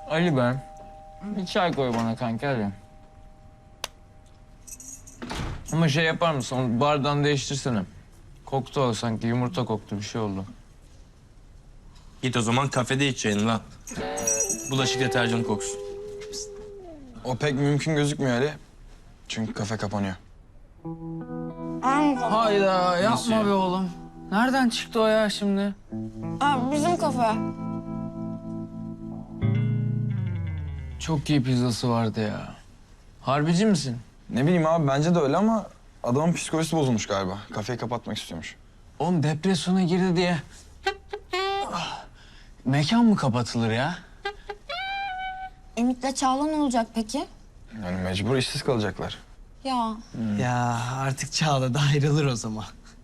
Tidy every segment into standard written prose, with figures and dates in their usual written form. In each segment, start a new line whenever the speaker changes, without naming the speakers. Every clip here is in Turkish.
Ali ben. Bir çay koy bana kanka hadi. Ama şey yapar mısın? Onu bardağını değiştirsene. Koktu o sanki. Yumurta koktu. Bir şey oldu.
Git o zaman kafede içeceğin lan. Bulaşık deterjanı koksun.
O pek mümkün gözükmüyor Ali. Çünkü kafe kapanıyor.
Hayda yapma be oğlum. Nereden çıktı o ya şimdi?
Bizim kafe.
Çok iyi pizzası vardı ya. Harbici misin?
Ne bileyim abi bence de öyle ama adamın psikolojisi bozulmuş galiba. Kafeyi kapatmak istiyormuş.
Oğlum depresyona girdi diye. Ah, mekan mı kapatılır ya?
Ümit'le Çağla ne olacak peki?
Yani mecbur işsiz kalacaklar.
Ya
Ya artık Çağla da ayrılır o zaman.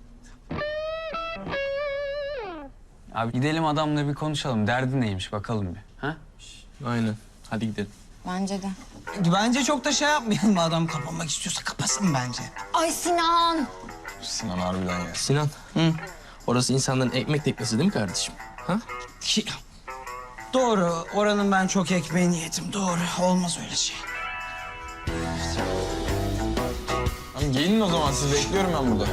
Abi gidelim adamla bir konuşalım. Derdi neymiş bakalım bir. Ha?
Aynen. Hadi gidelim.
bence de.
Bence çok da şey yapmayalım. Adam kapanmak istiyorsa kapasın bence.
Ay Sinan!
Sinan harbiden ya.
Sinan. Hı. Orası insanların ekmek teknesi değil mi kardeşim? Ha?
Ki... Doğru. Oranın ben çok ekmeğini yedim. Doğru. Olmaz öyle şey.
Tamam gelin o zaman siz bekliyorum ben burada.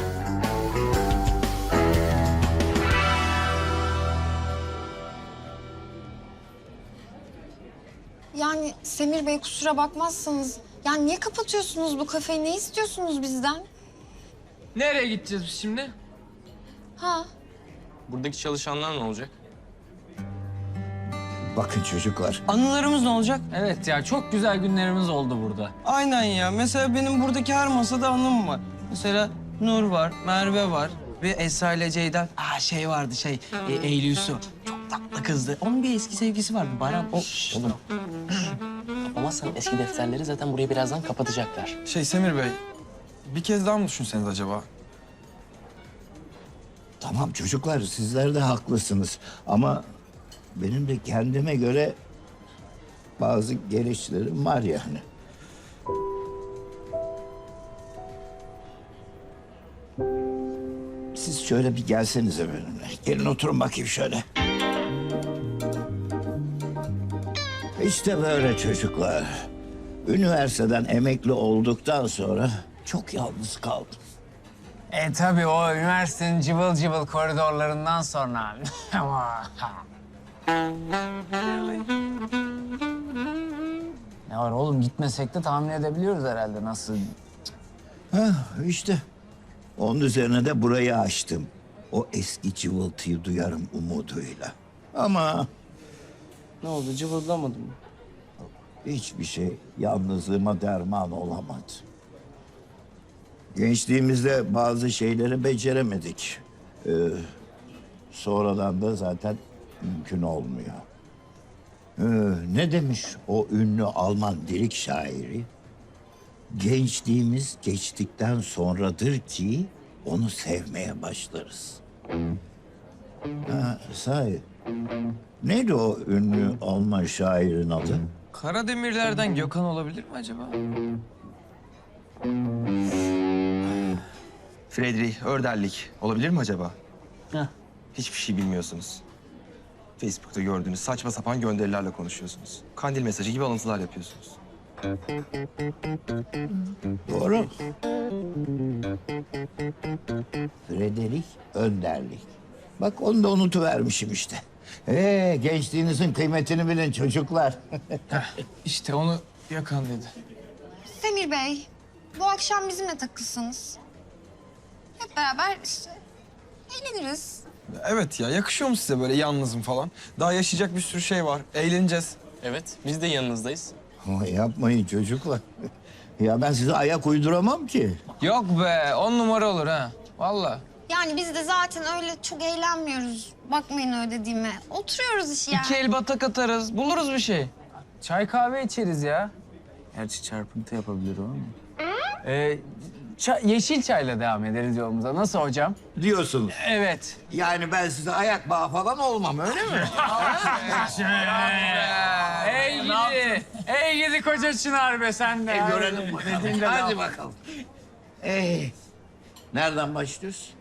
Yani Semir Bey kusura bakmazsanız... Yani niye kapatıyorsunuz bu kafeyi? Ne istiyorsunuz bizden?
Nereye gideceğiz biz şimdi?
Ha?
Buradaki çalışanlar ne olacak?
Bakın çocuklar,
Anılarımız ne olacak?
Evet ya çok güzel günlerimiz oldu burada.
Aynen ya. Mesela benim buradaki her masada anım var. Mesela Nur var, Merve var ve Esra ile Ceyda. Şey vardı Eylül Yusuf. Çok tatlı kızdı. Onun bir eski sevgisi vardı. Baran o.
Oğlum. Kapamazsan eski defterleri zaten burayı birazdan kapatacaklar.
Semir Bey, bir kez daha mı düşünseniz acaba?
tamam çocuklar sizler de haklısınız. Ama benim de kendime göre bazı gereçlerim var yani. Siz şöyle bir gelsenize benimle. Gelin oturun bakayım şöyle. İşte böyle çocuklar. Üniversiteden emekli olduktan sonra çok yalnız kaldım.
Tabii o üniversitenin cıvıl cıvıl koridorlarından sonra. Ne var oğlum gitmesek de tahmin edebiliyoruz herhalde nasıl.
İşte onun üzerine de burayı açtım. O eski cıvıltıyı duyarım umuduyla. Ama
Ne oldu, cıvıldamadın mı?
hiçbir şey yalnızlığıma derman olamadı. Gençliğimizde bazı şeyleri beceremedik. Sonradan da zaten mümkün olmuyor. Ne demiş o ünlü Alman lirik şairi? Gençliğimiz geçtikten sonradır ki onu sevmeye başlarız. Sahi. Neydi o ünlü Alman şairin adı?
Karademirler'den Gökhan olabilir mi acaba?
Friedrich Örderlik olabilir mi acaba?
Heh.
Hiçbir şey bilmiyorsunuz. Facebook'ta gördüğünüz saçma sapan gönderilerle konuşuyorsunuz. Kandil mesajı gibi alıntılar yapıyorsunuz.
Doğru. Frederick Önderlik. Bak onu da unutuvermişim işte. Gençliğinizin kıymetini bilin çocuklar.
İşte onu Gökhan dedi.
Semir Bey, bu akşam bizimle takılsanız. Hep beraber işte eğleniriz.
Evet ya yakışıyor mu size böyle yalnızım falan? Daha yaşayacak bir sürü şey var. Eğleneceğiz.
Evet, biz de yanınızdayız.
Ama yapmayın çocuklar. Ya ben size ayak uyduramam ki.
Yok be 10 numara olur ha. Vallahi.
Yani biz de zaten öyle çok eğlenmiyoruz. Bakmayın öyle dediğime. Oturuyoruz iş yani.
İki el batak atarız. Buluruz bir şey. Çay kahve içeriz ya. Gerçi çarpıntı yapabilir o ama. Yeşil çayla devam ederiz yolumuza. Nasıl hocam?
Diyorsunuz.
Evet.
Yani ben size ayak bağı falan olmam öyle mi?
Ey gidi. Ey gidi koca Çınar be sen de.
Görelim bakalım. Hadi bakalım. Nereden başlıyoruz?